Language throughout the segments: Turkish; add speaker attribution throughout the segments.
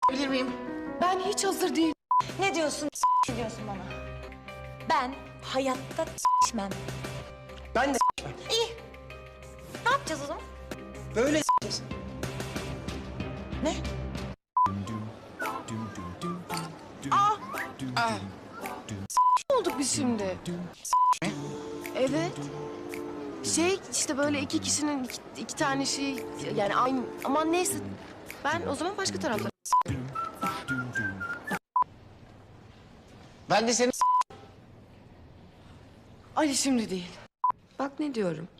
Speaker 1: bilir miyim?
Speaker 2: Ben hiç hazır değilim.
Speaker 3: Ne diyorsun? Ne diyorsun bana? Ben hayatta s**mem.
Speaker 1: Ben de
Speaker 3: İyi. Ne yapacağız o zaman?
Speaker 1: böyle s**eceğiz.
Speaker 3: Ne?
Speaker 2: Ne olduk biz şimdi? Evet. İşte böyle iki kişinin iki tane şey yani aynı aman neyse. Ben o zaman başka tarafta.
Speaker 1: Ben de seni
Speaker 2: Ali şimdi değil. Bak ne diyorum.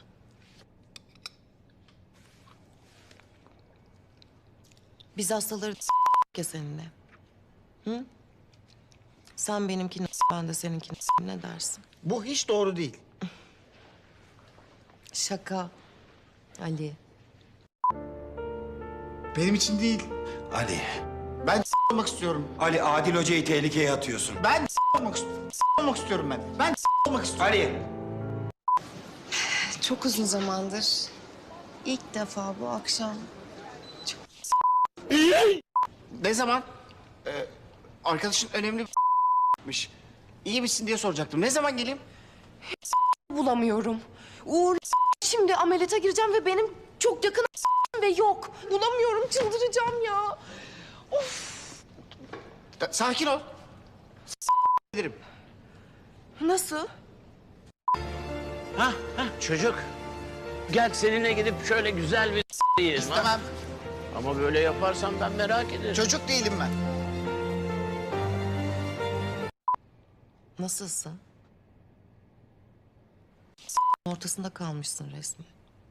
Speaker 2: Biz hastaları ya seninle. Hı? Sen benimkini ben de seninkini ne dersin?
Speaker 1: Bu hiç doğru değil.
Speaker 2: Şaka. Ali.
Speaker 1: Benim için değil.
Speaker 4: Ali,
Speaker 1: Ben olmak istiyorum.
Speaker 4: Ali Adil Hoca'yı tehlikeye atıyorsun.
Speaker 1: Ben olmak istiyorum. Olmak istiyorum ben. Ben olmak istiyorum.
Speaker 4: Ali!
Speaker 2: Çok uzun zamandır ilk defa bu akşam
Speaker 1: Ne zaman? Arkadaşın önemli bir İyi misin diye soracaktım. Ne zaman geleyim?
Speaker 2: bulamıyorum. Uğur şimdi ameliyata gireceğim ve benim çok yakın ve yok. Bulamıyorum, çıldıracağım ya.
Speaker 1: Sakin ol. Bilirim.
Speaker 2: Nasıl?
Speaker 5: Ha çocuk. Gel seninle gidip şöyle güzel bir yiyelim ha.
Speaker 1: Tamam.
Speaker 5: Ama böyle yaparsan ben merak ederim.
Speaker 1: Çocuk değilim ben.
Speaker 2: Nasılsın? Ortasında kalmışsın resmen.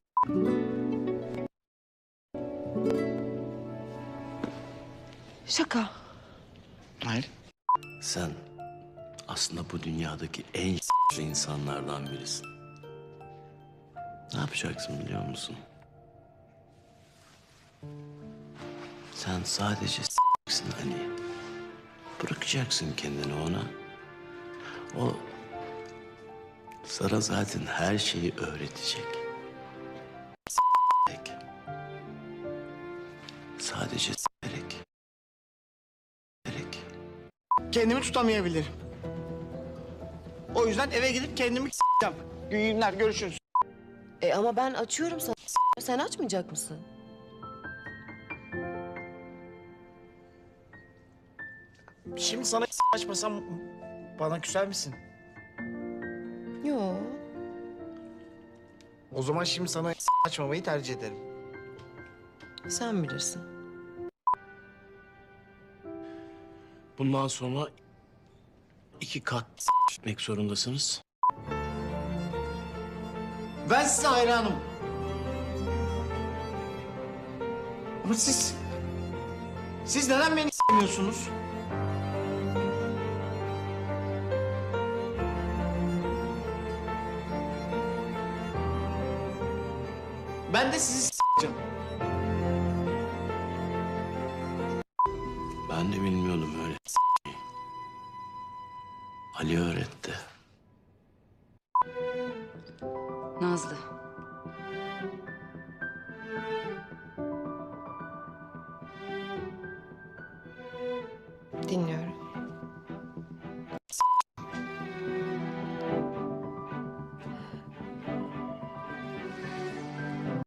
Speaker 2: Şaka.
Speaker 1: Hayır.
Speaker 5: Sen aslında bu dünyadaki en insanlardan birisin. Ne yapacaksın biliyor musun? Sen sadece Ali. Bırakacaksın kendini ona. O sana zaten her şeyi öğretecek. Sadece s**erek.
Speaker 1: Kendimi tutamayabilirim. O yüzden eve gidip kendimi s**eceğim. İyi günler, görüşürüz.
Speaker 2: Ama ben açıyorum sana. Sen açmayacak mısın?
Speaker 1: Şimdi sana açmasam bana küser misin?
Speaker 2: Yok.
Speaker 1: O zaman şimdi sana açmamayı tercih ederim.
Speaker 2: Sen bilirsin.
Speaker 5: Bundan sonra 2 kat gitmek zorundasınız.
Speaker 1: Ben size hayranım. Ama siz neden beni s**miyorsunuz? Ben de sizi s**eceğim.
Speaker 5: Ben de bilmiyordum öyle. Ali öğretti.